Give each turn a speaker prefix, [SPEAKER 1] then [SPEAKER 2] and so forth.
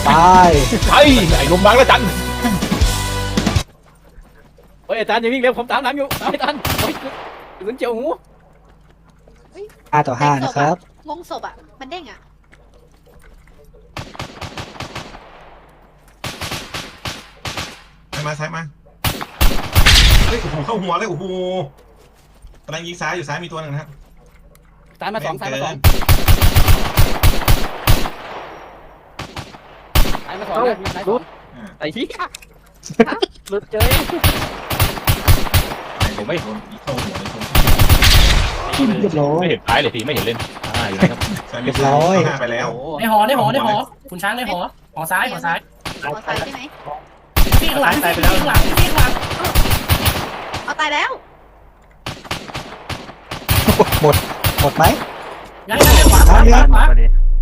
[SPEAKER 1] ตาย
[SPEAKER 2] ไอ้ลมบังแล้วจัน
[SPEAKER 3] เฮ้ยอาจารย์อย่าวิ่งเร็วผมตามหลังอยู่ตามไม่ทันเฮ้ยกระสุนเจียวหู
[SPEAKER 1] 5-5นะครับ
[SPEAKER 4] วงศพอ่ะมันเด้งอ่ะ
[SPEAKER 5] ซ้ายมาเฮ้ยโอ้โหเข้าหัวเลยโอ้โหกำลังยิงซ้ายอยู่ซ้ายมีตัวหนึ่งนะครับ
[SPEAKER 3] ตามมาสองตามมาสองตามมาสองนะตายสองไอ้ที่หลุดเจอ
[SPEAKER 5] ผมไม่โดนเข้าหัวเลยผม
[SPEAKER 1] เรียบร้อย
[SPEAKER 2] ไม่เห็นท้ายเลยทีไม่เห็นเล่นอยู่ไหนครับ
[SPEAKER 1] เรียบร้อย
[SPEAKER 5] หน้าไปแล้ว
[SPEAKER 6] ในหอคุณช้างในหอซ้าย
[SPEAKER 4] ขอใส่ใช่ไหม
[SPEAKER 6] พี่ข้างหลังพี่ข้างหลังพี่ข้างหลัง
[SPEAKER 4] เอาตายแล้ว
[SPEAKER 1] หมดไหม
[SPEAKER 6] ยังขวา